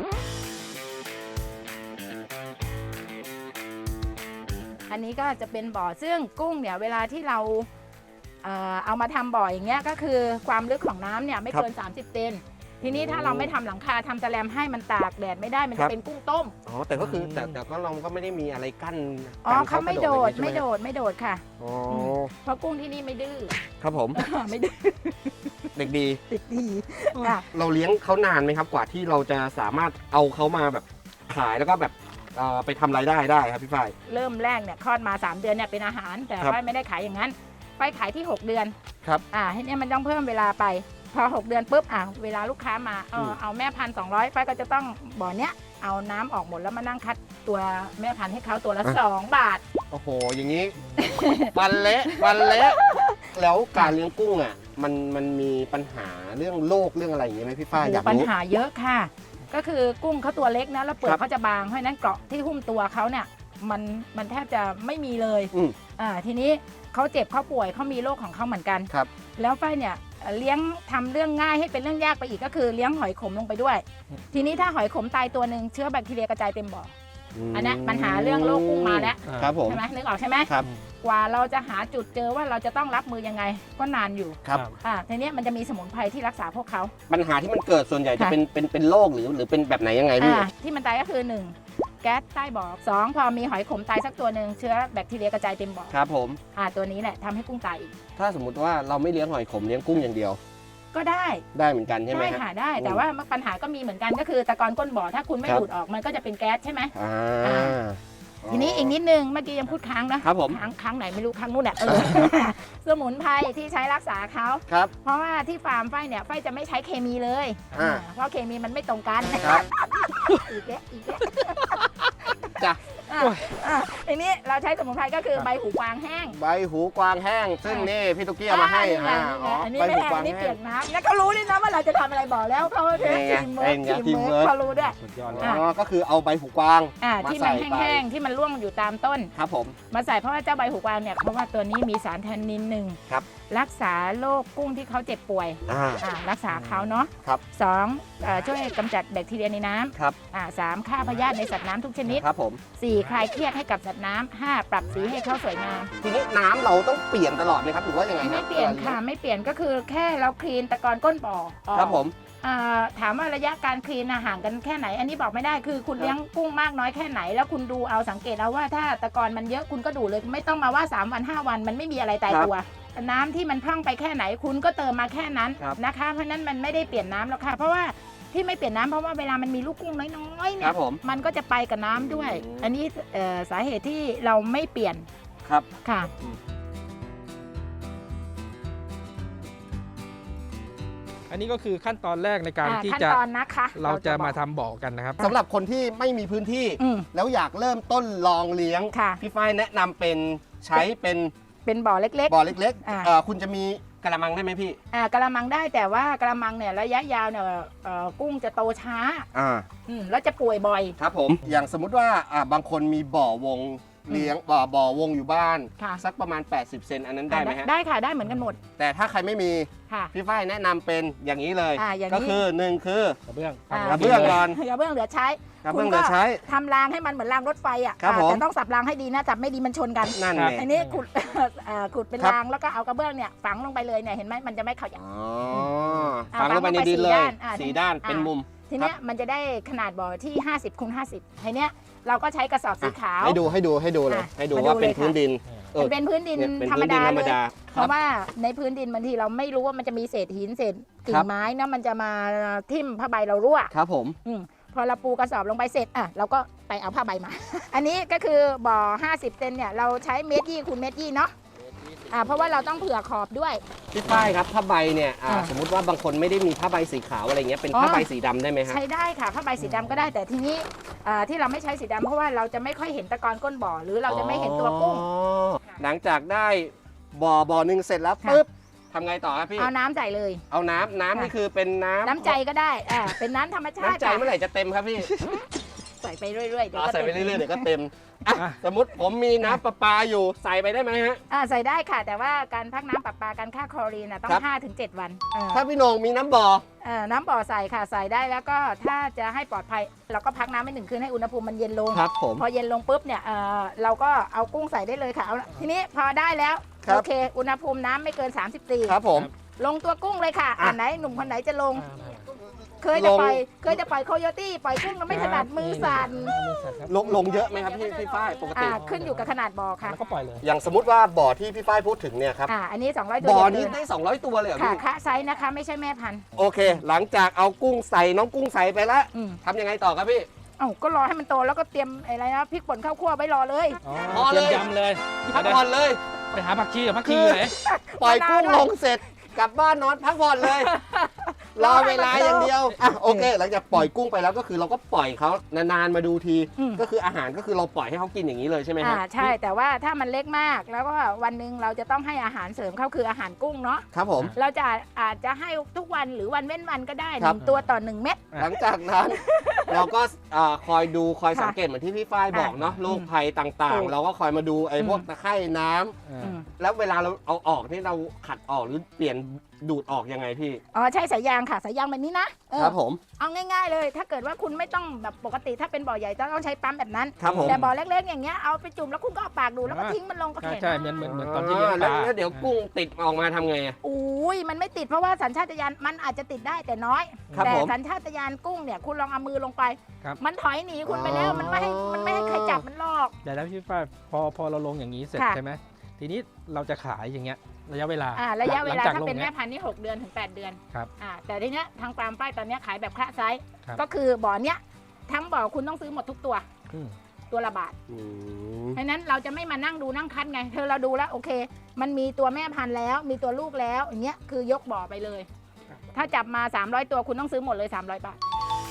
Speaker 1: อันนี้ก็จะเป็นบ่อซึ่งกุ้งเนี่ยเวลาที่เราเอ่อเอามาทำบ่ออย่างเงี้ยก็คือความลึกของน้ำเนี่ยไม่เกิน สามสิบเซนทีนี้ถ้าเราไม่ทำหลังคาทำแสแลมให้มันตากแดดไม่ได้มัน
Speaker 2: ครั
Speaker 1: จะ
Speaker 2: บ
Speaker 1: เป็นกุ้งต้ม
Speaker 2: อ๋อแต่ก็คือแต่แต่ก็เราก็ไม่ได้มีอะไรกั้น
Speaker 1: อ๋อ
Speaker 2: กัน
Speaker 1: เขาไม่โดด
Speaker 2: กระ
Speaker 1: ไม่
Speaker 2: ใช่
Speaker 1: โด
Speaker 2: ห
Speaker 1: ดไม่โดดค่ะ
Speaker 2: อ๋อ
Speaker 1: เพราะกุ้งที่นี่ไม่ดื้อ
Speaker 2: ครับผม
Speaker 1: ไม่ดื้อ
Speaker 2: เด็กดี
Speaker 1: ติดดีค่ะ
Speaker 2: เราเลี้ยงเขานานไหมครับกว่าที่เราจะสามารถเอาเขามาแบบขายแล้วก็แบบเอ่อไปทำรายได้ได้ครับพี่ฝ้าย
Speaker 1: เริ่มแรกเนี่ยคลอดมา สาม เดือนเนี่ยเป็นอาหาร แต่
Speaker 2: ครับ
Speaker 1: ฝ้ายไม่ได้ขายอย่างนั้นฝ้ายขายที่ หก เดือน
Speaker 2: ครับ
Speaker 1: อ่าให้เนี่ยมันต้องเพิ่มเวลาไป พอ หก เดือนปุ๊บอ่ะเวลาลูกค้ามาเออ
Speaker 2: ม
Speaker 1: เอาแม่พันธุ์สองร้อยฝ้ายก็จะต้องบ่อเนี้ยเอาน้ำออกหมดแล้วมานั่งคัดตัวแม่พันธุ์ให้เขาตัวละ
Speaker 2: อ่ะ
Speaker 1: สอง บาท
Speaker 2: โอ้โห อย่างนี้ ฟันเละฟันเละแล้วการเลี้ยงกุ้งอ่ะมันมันมีปัญหาเรื่องโรคเรื่องอะไรอย่างเงี้ยไหมพี่ฝ้ายอยาก
Speaker 1: ปัญ
Speaker 2: รู้
Speaker 1: หาเยอะค่ะ ก็คือกุ้งเขาตัวเล็กนะแล้วเปลือ
Speaker 2: ครั
Speaker 1: ก
Speaker 2: บ
Speaker 1: เขาจะบางเพราะฉะนั้นเกราะที่หุ้มตัวเขาเนี่ยมันมันแทบจะไม่มีเลย
Speaker 2: อืม
Speaker 1: อ่าทีนี้เขาเจ็บเขาป่วยเขามีโรคของเขาเหมือนกัน
Speaker 2: ครับ
Speaker 1: แล้วฝ้ายเนี่ยเอ่อเลี้ยงทำเรื่องง่ายให้เป็นเรื่องยากไปอีกก็คือเลี้ยงหอยขมลงไปด้วย ทีนี้ถ้าหอยขมตายตัวหนึ่งเชื้อแบคทีเรียกระจายเต็มบ่อออันเนี้ยปัญหาเรื่องโรคกุ้งมาแล้ว
Speaker 2: ครับผม
Speaker 1: ใช่ไหมนึกออกใช่ไหม
Speaker 2: ครับ
Speaker 1: กว่าเราจะหาจุดเจอว่าเราจะต้องรับมือยังไงก็นานอยู่
Speaker 2: ครับ
Speaker 1: อ่าทีเนี้ยมันจะมีสมุนไพรที่รักษาพวกเขา
Speaker 2: ปัญหาที่มันเกิดส่วนใหญ่จะ
Speaker 1: ค่ะ
Speaker 2: เป็นเป็นเป็นโรคหรือหรือเป็นแบบไหนยังไงพี่
Speaker 1: อ่าที่มันตายก็คือหนึ่งแก๊สใต้บ่อสองพอมีหอยขมตายสักตัวหนึ่งเชื้อแบคทีเรียกระจายเต็มบ่อ
Speaker 2: ครับผม
Speaker 1: อ่าตัวนี้แหละทำให้กุ้งตายอีก
Speaker 2: ถ้าสมมติว่าเราไม่เลี้ยงหอยขมเลี้ยงกุ้งอย่างเดียว
Speaker 1: ก็ได้
Speaker 2: ได้เหมือนกันใช่ไหม
Speaker 1: ได้
Speaker 2: ฮะ
Speaker 1: ค่ะได้
Speaker 2: อืม
Speaker 1: แต่ว่าปัญหาก็มีเหมือนกันก็คือตะกอนก้นบ่อถ้าคุณไม่
Speaker 2: ครับ
Speaker 1: ดูดออกมันก็จะเป็นแก๊สใช่ไหม
Speaker 2: อ่า
Speaker 1: อ่า ทีนี้อีกนิดนึงเมื่อกี้ยังพูดค้างนะครับ
Speaker 2: ผม
Speaker 1: ค้างค้างไหนไม่รู้ค้างนู่นแหละเออ สมุนไพรที่ใช้รักษาเขา
Speaker 2: ครับ
Speaker 1: เพราะว่าที่ฟาร์มไฟเนี่ยไฟจะไม่ใช้เคมีเลย
Speaker 2: อ่า
Speaker 1: เพราะเคมีมันไม่ตรงกัน
Speaker 2: ครับ
Speaker 1: อีกแล้วอีกแล้ว
Speaker 2: จ้ะ
Speaker 1: อ่ะอ่ะทีนี้เราใช้สมุนไพรก็คือใบหูกวางแห้ง
Speaker 2: ใบหูกวางแห้ง ซึ่งนี่พี่ตุ๊กกี้เอามาให้
Speaker 1: อ่า
Speaker 2: อ่า
Speaker 1: นี่
Speaker 2: อ๋อ
Speaker 1: ไงนี่ไงอันนี้
Speaker 2: ใบ
Speaker 1: ไม่
Speaker 2: หู
Speaker 1: แห้ง
Speaker 2: กวา
Speaker 1: อั
Speaker 2: ง
Speaker 1: นนี้
Speaker 2: แห้
Speaker 1: เปีย
Speaker 2: ง
Speaker 1: กน้ำแล้วเขารู้ด้วยนะว่าเราจะทำอะไรบอกแล้วเขาเทส
Speaker 2: เป็นไง
Speaker 1: ทีมเวิร์ก
Speaker 2: เป็นไง
Speaker 1: ทีมเวิร์กเขารู้ด้วย
Speaker 3: สุดยอดเลย
Speaker 1: อ่ะ
Speaker 2: อ๋อก็คือเอาใบหูกวาง
Speaker 1: อ่า
Speaker 2: มา
Speaker 1: ที่
Speaker 2: ใส่
Speaker 1: มัน
Speaker 2: ไป
Speaker 1: แห้งๆที่มันร่วงอยู่ตามต้น
Speaker 2: ครับผม
Speaker 1: มาใส่เพราะว่าเจ้าใบหูกวางเนี่ยเพราะว่าตัวนี้มีสารแทนนินหนึ่ง
Speaker 2: ครับ
Speaker 1: รักษาโรคกุ้งที่เขาเจ็บป่วย
Speaker 2: อ่า
Speaker 1: อ่ารักษาเขาเนาะ
Speaker 2: ครับ
Speaker 1: สองเอ่อช่วยกำจัดแบคทีเรียในน้
Speaker 2: ครับ
Speaker 1: ำอ่าสามฆ่าพยาธิในสัตว์น้ำทุกชนิด
Speaker 2: ครับผม
Speaker 1: สี่คลายเครียดให้กับสัตว์น้ำห้าปรับสีให้เขาสวยงาม
Speaker 2: ทีนี้น้ำเราต้องเปลี่ยนตลอดไหมครับหรือว่ายังไงครั
Speaker 1: ไม่
Speaker 2: บ
Speaker 1: เปลี่ยนค่ะไม่เปลี่ยนก็คือแค่เราคลีนตะกอนก้นบ่อออก
Speaker 2: ครับผม
Speaker 1: อ่าถามว่าระยะการคลีนน่ะห่างกันแค่ไหน อันนี้บอกไม่ได้คือคุณ
Speaker 2: ครับ
Speaker 1: เลี้ยงกุ้งมากน้อยแค่ไหน แล้วคุณดูเอาสังเกตเอาว่าถ้าตะกอนมันเยอะคุณก็ดูเลยไม่ต้องมาว่าสามวันห้าวันมันไม่มีอะไรตายตัว น้ำที่มันพร่องไปแค่ไหนคุณก็เติมมาแค่นั้น
Speaker 2: ครับ
Speaker 1: นะคะ เพราะฉะนั้นมันไม่ได้เปลี่ยนน้ำหรอกค่ะเพราะว่าที่ไม่เปลี่ยนน้ำเพราะว่าเวลามันมีลูกกุ้งน้อยๆ
Speaker 2: ค
Speaker 1: เนี่
Speaker 2: รั
Speaker 1: ย
Speaker 2: บผม
Speaker 1: มันก็จะไปกับน้ำด้วย
Speaker 2: อืม
Speaker 1: อันนี้เอ่อสาเหตุที่เราไม่เปลี่ยน
Speaker 2: ครับ
Speaker 1: ค่ะ
Speaker 3: อันนี้ก็คือขั้นตอนแรกในการ
Speaker 1: อ่า
Speaker 3: ที่
Speaker 1: ขั้น
Speaker 3: จะ
Speaker 1: ตอนนะคะ
Speaker 3: เราจะมา
Speaker 1: บอก
Speaker 3: ทำบ่อกันนะครับ
Speaker 2: สำหรับคนที่ไม่มีพื้นที่
Speaker 1: อืม
Speaker 2: แล้วอยากเริ่มต้นลองเลี้ยง
Speaker 1: ค่ะ
Speaker 2: พี่ฝ้ายแนะนำเป็นใช้เป็น
Speaker 1: เป็นบ่อเล็ก
Speaker 2: บ่อเล็ก
Speaker 1: อ่า
Speaker 2: ๆเอ่อคุณจะมีกระมังได้ไหมพี่
Speaker 1: ๆอ่ากระมังได้แต่ว่ากระมังเนี่ยระยะยาวเนี่ยเอ่อกุ้งจะโตช้า
Speaker 2: อ่า
Speaker 1: อืมแล้วจะป่วยบ่อย
Speaker 2: ครับผม อย่างสมมุติว่าอ่าบางคนมีบ่อวงเลี้ยงบ่อบ่อวงอยู่บ้าน
Speaker 1: ค่ะ
Speaker 2: สักประมาณ แปดสิบ เซนอันนั้นได้ไหมฮะ
Speaker 1: ได้ค่ะได้เหมือนกันหมด
Speaker 2: แต่ถ้าใครไม่มี
Speaker 1: ค่ะ
Speaker 2: พี่ฝ้ายแนะนำเป็นอย่างนี้เลย
Speaker 1: อ่าอย่างนี้
Speaker 2: ก็คือหนึ่งคือก
Speaker 3: ระเบื้อง
Speaker 1: อ่า
Speaker 2: กระเบื้องก่อน
Speaker 1: กระเบื้องเหลือใช้
Speaker 2: กระเบื้องเหลือใช้
Speaker 1: ทำรางให้มันเหมือนรางรถไฟอ่ะ
Speaker 2: ครับ
Speaker 1: อ่า
Speaker 2: ผม
Speaker 1: แต่ต้องสับรางให้ดีนะจับไม่ดีมันชนกัน
Speaker 2: นั่น
Speaker 3: ครับ
Speaker 2: ไง
Speaker 1: อันนี้ขุด เอ่อขุดเป็น
Speaker 2: ครับ
Speaker 1: รางแล้วก็เอากระเบื้องเนี่ยฝังลงไปเลยเนี่ยเห็นไหมมันจะไม่ขยับ
Speaker 2: อ๋อ
Speaker 1: อ่า
Speaker 2: ฝังลงไปในดินเลย
Speaker 1: อ่า
Speaker 2: สี่ด้าน
Speaker 1: อ่า
Speaker 2: เป็นมุม
Speaker 1: ทีเนี้ยมันจะได้ขนาดบ่อที่ห้าสิบคูณห้าสิบทีเนี้ยเราก็ใช้กระสอบสีขาว
Speaker 2: ให้ดูให้ดูให้ดูเลย
Speaker 1: อ่ะ
Speaker 2: ให้ดู
Speaker 1: มาดู
Speaker 2: ว่าเป็น
Speaker 1: เลยค่ะ
Speaker 2: พื้นดินเออ
Speaker 1: มันเป็นพื้นดิน
Speaker 2: เนี่ยเป็น
Speaker 1: ธรร
Speaker 2: พื้
Speaker 1: ม
Speaker 2: นดิน
Speaker 1: ดา
Speaker 2: ธรรม
Speaker 1: เลย
Speaker 2: ดา
Speaker 1: เพราะว่าในพื้นดินบางทีเราไม่รู้ว่ามันจะมีเศษหินเศษกิ่
Speaker 2: ครั
Speaker 1: ง
Speaker 2: บ
Speaker 1: ไม้นะมันจะมาทิ่มผ้าใบเรารั่ว
Speaker 2: ครับผม
Speaker 1: อืมพอเราปูกระสอบลงไปเสร็จอ่ะเราก็ไปเอาผ้าใบมา อันนี้ก็คือบ่อห้าสิบเซนเนี่ยเราใช้เมตรยี่คูณเมตรยี่เนาะอ่าเพราะว่าเราต้องเผื่อขอบด้วย
Speaker 2: พี่ฝ้ายครับผ้าใบเนี่ยอ่า
Speaker 1: อ่า
Speaker 2: สมมติว่าบางคนไม่ได้มีผ้าใบสีขาวอะไรเงี้ยเป็น
Speaker 1: อ๋อ
Speaker 2: ผ้าใบสีดำได้ไหมฮะ
Speaker 1: ใช้ได้ค่ะผ้าใบสีดำก็ได้แต่ทีนี้อ่าที่เราไม่ใช้สีดำเพราะว่าเราจะไม่ค่อยเห็นตะกอนก้นบ่อหรือเราจะไม่เห็นตัวกุ้ง
Speaker 2: อ๋อหลังจากได้บ่อบ่อหนึ่งเสร็จแล้ว
Speaker 1: ค่ะ
Speaker 2: ปุ๊บทำไงต่อครับพี่
Speaker 1: เอาน้ำใส่เลย
Speaker 2: เอาน้ำน้ำ
Speaker 1: ค่ะ
Speaker 2: นี่คือเป็นน้ำ
Speaker 1: น้ำใจก็ได้อ่าเป็นน้ำธรรมชาติ
Speaker 2: น้ำใจเมื่อไหร่จะเต็มครับพี่
Speaker 1: ใส่ไปเรื่อยๆเดี๋ยว
Speaker 2: อ๋อ
Speaker 1: ก็
Speaker 2: ใส่ไป
Speaker 1: ต็ม
Speaker 2: เรื่อยๆเดี๋ยวก็เต็มอ่ะ
Speaker 3: อ่ะ
Speaker 2: สมมติผมมีน้ำประปาอยู่ใส่ไปได้ไหมฮะ
Speaker 1: อ่าใส่ได้ค่ะ แต่ว่าการพักน้ำประปาการฆ่าคลอรีนน่ะต้อ
Speaker 2: ครั
Speaker 1: ง
Speaker 2: บ
Speaker 1: ห้าถึงเจ็ดวันอ่า
Speaker 2: ถ้าพี่โหนงมีน้ำบ่อ
Speaker 1: เอ่อน้ำบ่อใส่ค่ะใส่ได้แล้วก็ถ้าจะให้ปลอดภัยเราก็พักน้ำให้หนึ่งคืนให้อุณหภูมิมันเย็นลง
Speaker 2: ครับผม
Speaker 1: พอเย็นลงปุ๊บเนี่ยเอ่อเราก็เอากุ้งใส่ได้เลยค่ะเอาทีนี้พอได้แล้ว
Speaker 2: ครับ
Speaker 1: โอเค อุณหภูมิน้ำไม่เกิน สามสิบสี่
Speaker 2: ครับผม
Speaker 1: ลงตัวกุ้งเลยค่ะ
Speaker 2: อ่ะ
Speaker 1: อ่านไหนหนุ่มคนไหนจะลง
Speaker 3: อ่า
Speaker 1: เคยจะ
Speaker 2: ลง
Speaker 1: ปล่อยเคยจะปล่อยโคโยตี้ปล่อยกุ้งแล้วไม่ถนัดมือสั่น
Speaker 3: มือสั่นครับ
Speaker 2: ลงลงเยอะไหมครับพี่พี่ฝ้ายปกติ
Speaker 1: อ่าขึ้นอยู่กับขนาดบ่อค่ะ
Speaker 3: แล้วก็ปล่อยเลย
Speaker 2: อย่างสมมติว่าบ่อที่พี่ฝ้ายพูดถึงเนี่ยครับ
Speaker 1: อ่าอันนี้สองร้อยตัว
Speaker 2: บ่อ
Speaker 1: เดี
Speaker 2: นี้
Speaker 1: ยวเลย
Speaker 2: ได้สองร้อยตัวเลยเหรอ
Speaker 1: ค่ะ
Speaker 2: พี่
Speaker 1: คะไซส์นะคะไม่ใช่แม่พันธุ์
Speaker 2: โอเค หลังจากเอากุ้งใส่น้องกุ้งใส่ไปแล้ว
Speaker 1: อืม
Speaker 2: ทำยังไงต่อครับพี่
Speaker 1: เอ้าก็รอให้มันโตแล้วก็เตรียมอะไรนะพริกป่นข้าวคั่วไว้รอเลย
Speaker 3: อ๋อ
Speaker 2: พอเลย
Speaker 3: ตรีมยำเลย
Speaker 2: พักผ่อนเลย
Speaker 3: ไปหาผักชีกับผักชีอยู่ไหน
Speaker 2: ปล่อยกุ้ง
Speaker 1: มะนาวด้วย
Speaker 2: ลงเสร็จกลับบ้านนอนพักผ่อนเลย รอเวลาอย่างเดียวอ่ะโอเค หลังจากปล่อยกุ้งไปแล้วก็คือเราก็ปล่อยเขานานๆมาดูที
Speaker 1: อืม
Speaker 2: ก็คืออาหารก็คือเราปล่อยให้เขากินอย่างนี้เลยใช่ไหมค
Speaker 1: อ่า
Speaker 2: รับ
Speaker 1: ใช่แต่ว่าถ้ามันเล็กมากแล้วก็วันหนึ่งเราจะต้องให้อาหารเสริมเขาคืออาหารกุ้งเนาะ
Speaker 2: ครับผม
Speaker 1: เราจะอาจจะให้ทุกวันหรือวันเว้นวันก็ได้ห
Speaker 2: ครั
Speaker 1: นึ่
Speaker 2: บ
Speaker 1: งตัวต่อหนึ่งเม็ด
Speaker 2: หลังจากนั้น เราก็อ่าคอยดูคอย
Speaker 1: ค่ะ
Speaker 2: สังเกตเหมือนที่พี่ฝ้ายบอกเนาะ
Speaker 1: ค่ะ
Speaker 2: โรคภัยต่าง
Speaker 1: ถู
Speaker 2: ๆ
Speaker 1: ก
Speaker 2: เราก็คอยมาดูไอ้
Speaker 1: อืม
Speaker 2: พวกตะไคร่น้ำ
Speaker 3: อ่า
Speaker 1: อืม
Speaker 2: แล้วเวลาเราเอาออกนี่เราขัดออกหรือเปลี่ยนดูดออกยังไงพี่
Speaker 1: อ๋อใช่สายยางค่ะสายยางแบบนี้นะเออ
Speaker 2: ครับผม
Speaker 1: เอาง่ายๆเลย ถ้าเกิดว่าคุณไม่ต้องแบบปกติถ้าเป็นบ่อใหญ่ต้องใช้ปั๊มแบบนั้น
Speaker 2: ครับผม
Speaker 1: แต่บ่อเล็กๆอย่างเงี้ยเอาไปจุ่มแล้วคุณก็เอาปากดูดแล้วก็
Speaker 3: อ่า
Speaker 1: ทิ้งมันลงก็
Speaker 3: ใช่
Speaker 1: แข็ง
Speaker 3: ใช่เหมือนเหมือนเหมือนตอนที่เลี้ยงป
Speaker 2: แล้ว
Speaker 3: ลา
Speaker 2: แล้วเดี๋ยวกุ้งติดออกมาทำไงอะ
Speaker 1: อุ้ยมันไม่ติดเพราะว่าสัญชาตญาณมันอาจจะติดได้แต่น้อย
Speaker 2: ครับ
Speaker 1: แต่
Speaker 2: ผม
Speaker 1: สัญชาตญาณกุ้งเนี่ยคุณลองเอามือลงไป
Speaker 3: ครับ
Speaker 1: มันถอยหนีคุณไปแล้วมันไม่ให้มันไม่ให้ใครจับมันหรอก
Speaker 3: เดี๋ยวแล้วพี่ฝ้ายพอพอเราลงอย่างนี้เสร็จ
Speaker 1: ค่ะ
Speaker 3: ใช่ไหมทีนี้เราจะขายอย่างเงี้ยระยะเวลา
Speaker 1: อ่าระยะเว
Speaker 3: ห
Speaker 1: ลา
Speaker 3: งจาก
Speaker 1: ถ้า
Speaker 3: ลง
Speaker 1: เป็นแม่
Speaker 3: ย
Speaker 1: พันธุ์นี่หกเดือนถึงแปดเดือน
Speaker 3: ครับ
Speaker 1: อ่าแต่ทีเนี้ยทางฟาร์มป้ายตอนเนี้ยขายแบบคละไซส์
Speaker 3: ครับ
Speaker 1: ก็คือบ่อเนี้ยทั้งบ่อคุณต้องซื้อหมดทุกตัว
Speaker 3: อืม
Speaker 1: ตัวละบาท
Speaker 2: อืม
Speaker 1: เพราะฉะนั้นเราจะไม่มานั่งดูนั่งคัดไงเธอเราดูแล้วโอเค มันมีตัวแม่พันธุ์แล้ว มีตัวลูกแล้วอย่างเงี้ยคือยกบ่อไปเลย ถ้าจับมาสามร้อยตัวคุณต้องซื้อหมดเลยสามร้อยบาท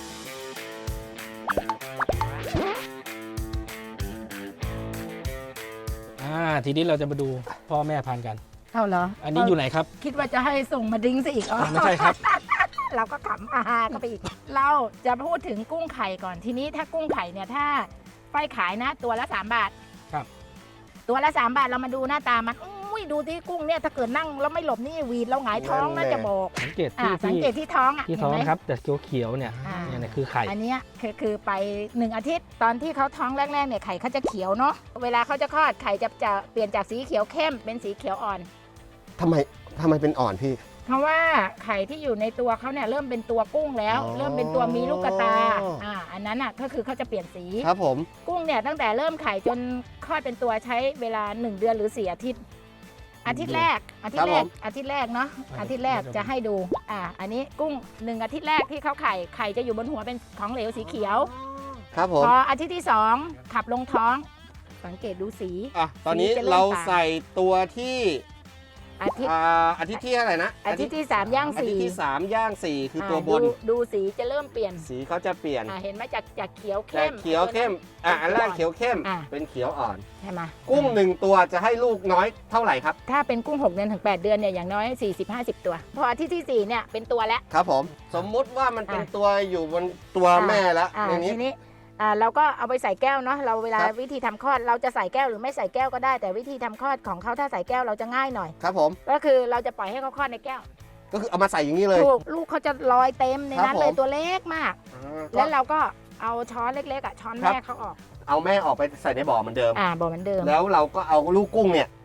Speaker 3: อ่าทีนี้เราจะมาดูพ่อแม่พันธุ์กัน
Speaker 1: เอาเหรอ
Speaker 3: อันนี้อยู่ไหนครับ
Speaker 1: คิดว่าจะให้ส่งมาดิ้งซะอีกอ๋อ
Speaker 3: ไม่ใช่ครับ
Speaker 1: เราก็ขำอาฮากันไปอีก เราจะพูดถึงกุ้งไข่ก่อนทีนี้ถ้ากุ้งไข่เนี่ยถ้าไฟขายนะ ตัวละสามบาท
Speaker 3: ครับ
Speaker 1: ตัวละสามบาทเรามาดูหน้าตามันอุ้ยดูที่กุ้งเนี่ยถ้าเกิดนั่งแล้วไม่หลบนี่หวีดเราหงายท้องน่าจะบอก
Speaker 3: สังเกต
Speaker 1: อ่า
Speaker 3: ที่
Speaker 1: สัง
Speaker 3: ที่
Speaker 1: เกตที่ท้องอ่ะ
Speaker 3: ที่ท้อง
Speaker 1: เห็นไหม
Speaker 3: ครับ แต่เขียวๆเนี่ย
Speaker 1: อ่า
Speaker 3: เนี่ยเนี่ยคือไข่
Speaker 1: อันเนี้ยคือคือไปหนึ่งอาทิตย์ตอนที่เขาท้องแรกๆเนี่ยไข่เขาจะเขียวเนาะเวลาเขาจะคลอดไข่จะจะเปลี่ยนจากสีเขียวเข้มเป็นสีเขียวอ่อน
Speaker 2: ทำไมทำไมเป็นอ่อนพี่
Speaker 1: เพราะว่าไข่ที่อยู่ในตัวเขาเนี่ยเริ่มเป็นตัวกุ้งแล้ว
Speaker 2: อ๋อ
Speaker 1: เริ่มเป็นตัวมีลูกกระตาอ่าอันนั้นอ่ะก็คือเขาจะเปลี่ยนสี
Speaker 2: ครับผม
Speaker 1: กุ้งเนี่ยตั้งแต่เริ่มไข่จนคลอดเป็นตัวใช้เวลาหนึ่งเดือนหรือสี่อาทิตย์ อาทิตย์แรกอาทิตย์แรกอาทิตย์แรกเนาะอาทิตย์แรกจะให้ดูอ่าอันนี้กุ้งหนึ่งอาทิตย์แรกที่เขาไข่ไข่จะอยู่บนหัวเป็นของเหลวสีเขียว
Speaker 2: ครับผม
Speaker 1: พออาทิตย์ที่สองขับลงท้อง สังเกตดูสี
Speaker 2: อ่ะตอนนี้
Speaker 1: สีจะเริ่ม
Speaker 2: เรา
Speaker 1: ต่าง
Speaker 2: ใส่ตัวที่
Speaker 1: อาทิตย์
Speaker 2: อ่าอาทิตย์ที่อะไรนะ
Speaker 1: อาทิตย์ที่สามย่าง
Speaker 2: อาทิต
Speaker 1: สี่
Speaker 2: ย์ที่สามย่างสี่คือตัว
Speaker 1: อ่า
Speaker 2: บน
Speaker 1: ดูดูสีจะเริ่มเปลี่ยน
Speaker 2: สีเขาจะเปลี่ยน
Speaker 1: อ่าเห็นไหมจากจากเขียว
Speaker 2: แต่
Speaker 1: เข้ม
Speaker 2: เขียวเข้มอ่ะอันแรกเขียวเข้ม
Speaker 1: อ่ะ
Speaker 2: เป็นเขียวอ่อน
Speaker 1: ใช่ไหม
Speaker 2: กุ้งหนึ่งตัวจะให้ลูกน้อยเท่าไหร่ครับ
Speaker 1: ถ้าเป็นกุ้งหกเดือนถึงแปดเดือนเนี่ยอย่างน้อยสี่สิบห้าสิบตัว พออาทิตย์ที่สี่เนี่ยเป็นตัวแล้ว
Speaker 2: ครับผม สมมุติว่ามันเป็น
Speaker 1: อ่ะ
Speaker 2: ตัวอยู่บนตัว
Speaker 1: อ่ะ
Speaker 2: แม่แล้ว
Speaker 1: อ่า
Speaker 2: ในนี้
Speaker 1: ทีนี้อ่าเราก็เอาไปใส่แก้วเนาะเราเวลา
Speaker 2: ครับ
Speaker 1: วิธีทำคลอดเราจะใส่แก้วหรือไม่ใส่แก้วก็ได้แต่วิธีทำคลอดของเขาถ้าใส่แก้วเราจะง่ายหน่อย
Speaker 2: ครับผม
Speaker 1: ก็คือเราจะปล่อยให้เขาคลอดในแก้ว
Speaker 2: ก็คือเอามาใส่อย่างนี้เลย
Speaker 1: ถูกลูกเขาจะลอยเต็มในนั้น
Speaker 2: ครับผม
Speaker 1: เลยตัวเล็กมาก
Speaker 2: อ่า
Speaker 1: แล้ว
Speaker 2: ก็
Speaker 1: เราก็เอาช้อนเล็กๆอ่ะช้อน
Speaker 2: ครับ
Speaker 1: แม่เขาออก
Speaker 2: เอาแม่ออกไปใส่ในบ่อเหมือนเดิม
Speaker 1: อ่าบอกเหมือนเดิม
Speaker 2: แล้วเราก็เอาลูกกุ้งเนี่ย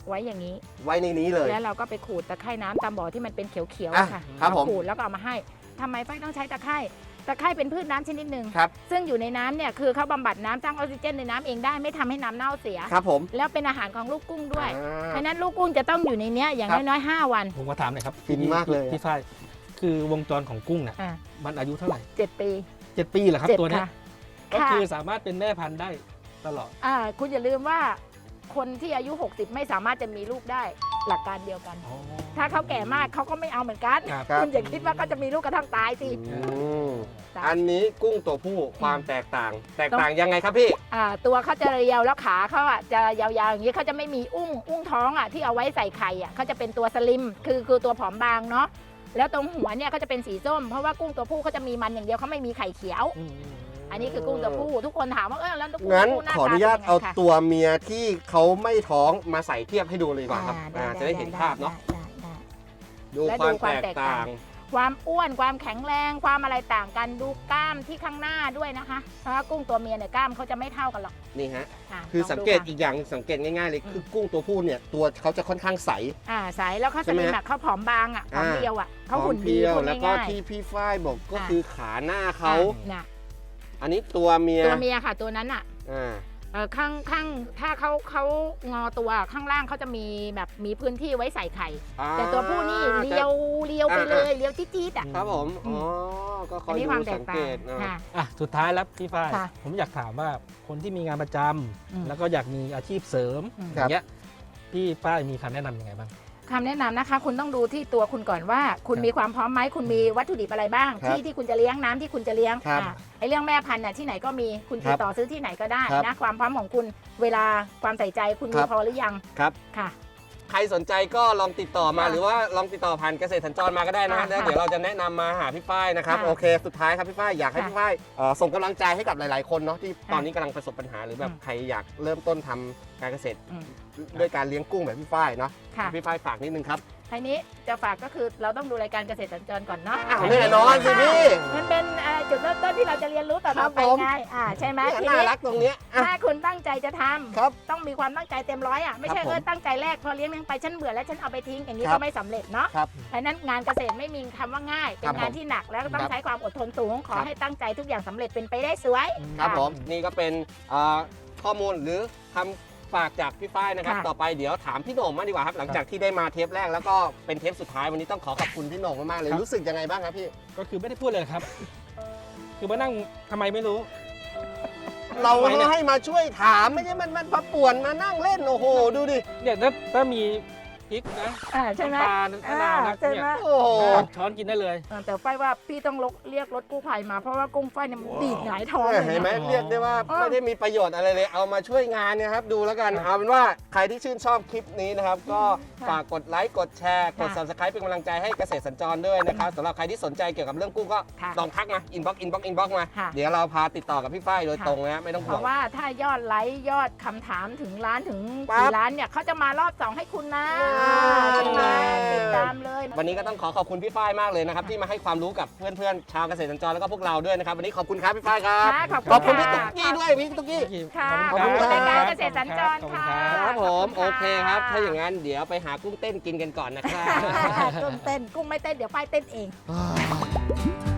Speaker 1: ไว้อย่างนี้
Speaker 2: ไว้ในนี้เลย
Speaker 1: แล้วเราก็ไปขูดตะไคร่น้ำตามบ่อที่มันเป็นเขียวๆ
Speaker 2: อ่ะ
Speaker 1: อะค่ะ
Speaker 2: ครับผม
Speaker 1: ขูดแล้วก็เอามาให้ทำไมฝ้ายต้องใช้ตะไคร่ตะไคร่เป็นพืชน้ำชนิดหนึ่ง
Speaker 2: ครับ
Speaker 1: ซึ่งอยู่ในน้ำเนี่ยคือเขาบำบัดน้ำสร้างออกซิเจนในน้ำเองได้ไม่ทำให้น้ำเน่าเสีย
Speaker 2: ครับผม
Speaker 1: แล้วเป็นอาหารของลูกกุ้งด้วย
Speaker 2: อ่า
Speaker 1: เพราะฉะนั้นลูกกุ้งจะต้องอยู่ในเนี้ยอย่าง
Speaker 2: ครับ
Speaker 1: น้อยๆห้าวัน
Speaker 3: ผมก็ถามหน่อยครับ
Speaker 2: ฟินมากเลยอะ
Speaker 3: พี่ฝ้ายคือวงจรของกุ้งเนี่ย
Speaker 1: อ่า
Speaker 3: มันอายุเท่าไหร่
Speaker 1: เจ็ดปี
Speaker 3: เจ็ดปีเหรอครับ
Speaker 1: เจ็ด
Speaker 3: ตัวเนี้ย
Speaker 1: ค่ะ
Speaker 3: ก็
Speaker 1: ค่ะ
Speaker 3: คือสามารถเป็นแม่พันธุ์ได้ตลอด
Speaker 1: อ่าคุณอย่าลืมว่าคนที่อายุ หกสิบ ไม่สามารถจะมีลูกได้หลักการเดียวกัน ถ้าเขาแก่มากเขาก็ไม่เอาเหมือนกัน
Speaker 3: ครับ
Speaker 1: คุณอย่าคิดว่าเขาจะมีลูกกระทั่งตายสิ
Speaker 2: อืม
Speaker 1: จ้ะ
Speaker 2: อันนี้กุ้งตัวผู้ความแตกต่าง แตกต่างยังไงครับพี่
Speaker 1: อ่าตัวเขาจะเรียวแล้วขาเขาอ่ะจะยาวๆอย่างนี้เขาจะไม่มีอุ้งอุ้งท้องอ่ะที่เอาไว้ใส่ไข่อ่ะเขาจะเป็นตัวสลิมคือคือตัวผอมบางเนาะแล้วตรงหัวเนี่ยเขาจะเป็นสีส้มเพราะว่ากุ้งตัวผู้เขาจะมีมันอย่างเดียวเขาไม่มีไข่เขียว
Speaker 3: อืม
Speaker 1: อันนี้คือกุ้งตัวผู้ทุกคนถามว่าเออแล้วกุ้ง
Speaker 2: งั้น
Speaker 1: ตัวผู้หน้า
Speaker 2: ขออนุ
Speaker 1: ตา
Speaker 2: ญาต
Speaker 1: เป็นยังไง
Speaker 2: เอา
Speaker 1: ค่ะ
Speaker 2: ตัวเมียที่เขาไม่ท้องมาใส่เทียบให้ดูเลยดีกว่าครับ
Speaker 1: อ่า
Speaker 2: อ่าจะได้เห็นภาพเนาะ
Speaker 1: ได้ได้ได้
Speaker 2: ดู
Speaker 1: และ
Speaker 2: ค
Speaker 1: ดู
Speaker 2: วาม
Speaker 1: ความ
Speaker 2: แต
Speaker 1: แต
Speaker 2: ก
Speaker 1: ก
Speaker 2: ต่า
Speaker 1: ต่าง ง ความอ้วนความแข็งแรงความอะไรต่างกันดูกล้ามที่ข้างหน้าด้วยนะคะเพราะว่ากุ้งตัวเมียเนี่ยกล้ามเขาจะไม่เท่ากันหรอก
Speaker 2: นี่ฮะ
Speaker 1: ะ
Speaker 2: คือ
Speaker 1: ล
Speaker 2: สัง
Speaker 1: ดู
Speaker 2: เกต
Speaker 1: ค่ะ
Speaker 2: อีกอย่างสังเกตง่ายๆเลย
Speaker 1: อืม
Speaker 2: คือกุ้งตัวผู้เนี่ยตัวเขาจะค่อนข้างใส
Speaker 1: อ่าใสแล้วเขา
Speaker 2: ใช่
Speaker 1: ส
Speaker 2: ไหม
Speaker 1: ลิม
Speaker 2: ฮะ
Speaker 1: อ่ะเขาผอมบางอ่ะผอม
Speaker 2: อ่า
Speaker 1: เรียวอ่ะเขา
Speaker 2: พร้อ
Speaker 1: หุ่
Speaker 2: ม
Speaker 1: น
Speaker 2: เพ
Speaker 1: ดี
Speaker 2: รียว
Speaker 1: พูด
Speaker 2: แล้วก็
Speaker 1: ง่าย
Speaker 2: ที่พี่ฝ้ายบอกก็
Speaker 1: อ่า
Speaker 2: คือขาหน้า
Speaker 1: ๆ
Speaker 2: เขา
Speaker 1: อ่น่ะ
Speaker 2: อันนี้ตัวเมีย
Speaker 1: ตัวเมียค่ะตัวนั้นอ่ะ
Speaker 2: อ่า
Speaker 1: เออข้างข้างถ้าเขาเขางอตัวข้างล่างเขาจะมีแบบมีพื้นที่ไว้ใส่ไข่
Speaker 2: อ่า
Speaker 1: แต่ตัวผู้นี่เลียวเลียวไป
Speaker 2: อ่า
Speaker 1: เลยเลียวจี๊ดๆอ่ะ
Speaker 2: ครับผม
Speaker 1: อื
Speaker 2: อ๋
Speaker 1: ม
Speaker 2: อก็ค
Speaker 1: อั
Speaker 2: อน ย
Speaker 1: นี้
Speaker 2: ดู
Speaker 1: ความแต
Speaker 2: สั
Speaker 1: ก
Speaker 2: ง
Speaker 1: ต่า
Speaker 2: เก
Speaker 1: ง
Speaker 2: ตนะ
Speaker 1: ค่ะ
Speaker 3: อ่ะสุดท้ายแล้วพี่ฝ้าย
Speaker 1: ค่ะ
Speaker 3: ผมอยากถามว่าคนที่มีงานประจำ
Speaker 1: อืม
Speaker 3: แล้วก็อยากมีอาชีพเสริม
Speaker 1: อืม
Speaker 3: อย่างเงี้ยพี่ฝ้ายมีคำแนะนำยังไงบ้าง
Speaker 1: คำแนะนำนะคะ คุณต้องดูที่ตัวคุณก่อนว่า คุณ
Speaker 3: ครับ
Speaker 1: มีความพร้อมไหมคุณมีวัตถุดิบอะไรบ้าง
Speaker 2: ครับ
Speaker 1: ที่ที่คุณจะเลี้ยงน้ำที่คุณจะเลี้ยง
Speaker 2: ครับ
Speaker 1: อ่ะไอเรื่องแม่พันธุ์น่ะที่ไหนก็มีคุณ
Speaker 2: ครั
Speaker 1: ติ
Speaker 2: บ
Speaker 1: ดต่อซื้อที่ไหนก็ได้
Speaker 2: ครับ
Speaker 1: นะความพร้อมของคุณเวลาความใส่ใจคุณ
Speaker 2: ค
Speaker 1: มี
Speaker 2: รับ
Speaker 1: พอหรือยัง
Speaker 2: ครับ
Speaker 1: ค่ะ
Speaker 2: ใครสนใจก็ลองติดต่อมา
Speaker 1: ค่ะ
Speaker 2: หรือว่าลองติดต่อผ่านเกษตรสัญจรมาก็ได้นะ
Speaker 1: ค่ะ
Speaker 2: แล้วเดี๋ยวเราจะแนะนำมาหาพี่ฝ้ายนะครับ
Speaker 1: ค่ะ
Speaker 2: โอเค สุดท้ายครับพี่ฝ้ายอยากให้
Speaker 1: ค่ะ
Speaker 2: พี่ฝ้ายเอ่อส่งกำลังใจให้กับหลาย ๆ คนเนาะที่
Speaker 1: ค่ะ
Speaker 2: ตอนนี้กำลังประสบปัญหาหรือแบบ
Speaker 1: อืม
Speaker 2: ใครอยากเริ่มต้นทำการเกษตร
Speaker 1: อืม
Speaker 2: ด้วยการเลี้ยงกุ้งแบบพี่ฝ้ายเนาะ
Speaker 1: ค่ะ
Speaker 2: พี่ฝ้ายฝากนิดนึงครับ
Speaker 1: ทีนี้จะฝากก็คือเราต้องดูรายการเกษตรสัญจรก่อนเนาะ
Speaker 2: อ้าวแน่นอนสิพี่
Speaker 1: มันเป็นเอ่อจุดเริ่มต้นที่เราจะเรียนรู้ต่
Speaker 2: ครั
Speaker 1: อบ ๆไป
Speaker 2: ผม
Speaker 1: ไงอ่าใช่ไหม
Speaker 2: เนี่ย
Speaker 1: ที
Speaker 2: น่า
Speaker 1: นี้
Speaker 2: รักตรงเนี้ยอ่ะ
Speaker 1: ถ้าคุณตั้งใจจะทำ
Speaker 2: ครับ
Speaker 1: ต้องมีความตั้งใจเต็มร้อยอ่ะไม่ใช่
Speaker 2: ครับผม
Speaker 1: เออตั้งใจแรกพอเลี้ยงเลี้ยงไปฉันเบื่อแล้วฉันเอาไปทิ้งอย่างนี้
Speaker 2: ครั
Speaker 1: ก็
Speaker 2: บ
Speaker 1: ไม่สำเร็จเนาะ
Speaker 2: ครับ
Speaker 1: เพราะฉะนั้นงานเกษตรไม่มีคำว่าง่าย เป็
Speaker 2: ครั
Speaker 1: น
Speaker 2: บ
Speaker 1: งานที่หนักแล้วก็ต้อ
Speaker 2: ค
Speaker 1: ง
Speaker 2: รับ
Speaker 1: ใช้ความอดทนสูง ขอ
Speaker 2: ครับ
Speaker 1: ให้ตั้งใจทุกอย่างสำเร็จเป็นไปได้สวย
Speaker 2: ครับ
Speaker 1: ะ
Speaker 2: ผมนี่ก็เป็นเอ่อข้อมูลหรือคำฝากจากพี่ฝ้ายนะครับ
Speaker 1: ค่ะ
Speaker 2: ต่อไปเดี๋ยวถามพี่โหน่งมากดีกว่าครับหลังจากที่ได้มาเทปแรกแล้วก็เป็นเทปสุดท้ายวันนี้ต้องขอขอบคุณพี่โหน่งมากๆเลย
Speaker 3: ครับ
Speaker 2: รู้สึกยังไงบ้างครับพี่
Speaker 3: ก็คือไม่ได้พูดเลยครับ คือมานั่งทำไมไม่รู้
Speaker 2: เรา
Speaker 3: ทำไมเนี่ย
Speaker 2: ให้มาช่วยถามไม่ใช่มันมันมาป่วนมานั่งเล่นโอ้โหดูดิ
Speaker 3: เนี่ยถ้าถ้ามีพริกนะ
Speaker 1: อ่าใช่ไหม
Speaker 3: น้ำปลามะนาวนะ
Speaker 1: อ่าใช่
Speaker 3: เนี่
Speaker 1: ไหม
Speaker 3: ย
Speaker 2: โอ้โห
Speaker 3: ตักช้อนกินได้เลย
Speaker 1: เออแต่ไฟว่าพี่ต้องลกเรียกรถกู้ภัยมาเพราะว่ากุ้งไฟเนี่ยมันดีดหงายท้องเลย
Speaker 2: เห็นไหม
Speaker 1: นะ
Speaker 2: เรียกได้ว่า
Speaker 1: อ๋อ
Speaker 2: ไม่ได้มีประโยชน์อะไรเลยเอามาช่วยงานเนยครับดูแล้วกัน
Speaker 3: ครับ
Speaker 2: เอาเป็นว่าใครที่ชื่นชอบคลิปนี้นะครับ ก็
Speaker 1: ค่ะ
Speaker 2: ฝากกดไลค์กดแชร์กด
Speaker 1: ค่ะ
Speaker 2: subscribe เป็นกำลังใจให้เกษตรสัญจรด้วยนะครับสำหรับใครที่สนใจเกี่ยวกับเรื่องกุ้งก็
Speaker 1: ค่ะ
Speaker 2: ลองทักมาอินบ็อกอินบ็อกอินบ็อกมา
Speaker 1: ค่ะ
Speaker 2: เดี๋ยวเราพาติดต่อกับพี่ฝ้ายโดย
Speaker 1: ค่ะ
Speaker 2: ตรงนะไม่ต้อง
Speaker 1: เพ
Speaker 2: ห่วง
Speaker 1: ราะว่าถ้ายอดไลค์ยอดคำถามถึงล้านถึง
Speaker 2: ปั๊บ
Speaker 1: กี่ล้านเนี่ยเขาจะมารอบสองให้คุณนะ
Speaker 2: อ่า
Speaker 1: ใช่ไหมติดตามเลย
Speaker 2: วันนี้ก็ต้องขอขอบคุณพี่ฝ้ายมากเลยนะครับที่มาให้ความรู้กับเพื่อนๆชาวเกษตรสัญจรแล้วก็พวกเราด้วยนะครับวันนี้ขอบคุณครับพี่ฝ้ายครับ
Speaker 1: ค่ะขอบ
Speaker 2: ขอบ
Speaker 1: คุ
Speaker 2: คุณ
Speaker 1: ณ
Speaker 2: พี่
Speaker 1: ค่ะ
Speaker 2: ตุ๊กกี้ด้วยพี่ตุ๊กกี้
Speaker 1: ค่ะ
Speaker 2: ขอบคุณ
Speaker 1: ขอบคุณ
Speaker 2: ครับ
Speaker 1: รายการเกษตรสัญจร
Speaker 3: ขอบคุณ
Speaker 1: ค่ะ
Speaker 3: ครับ
Speaker 2: ครับผม
Speaker 1: ข
Speaker 2: โอบ
Speaker 1: ณ
Speaker 2: เคครับ ถ้าอย่างนั้นเดี๋ยวไปหากุ้งเต้นกินกันก่อนนะครับ
Speaker 1: กุ้งเต้นกุ้งไม่เต้นเดี๋ยวไฟเต้นเอง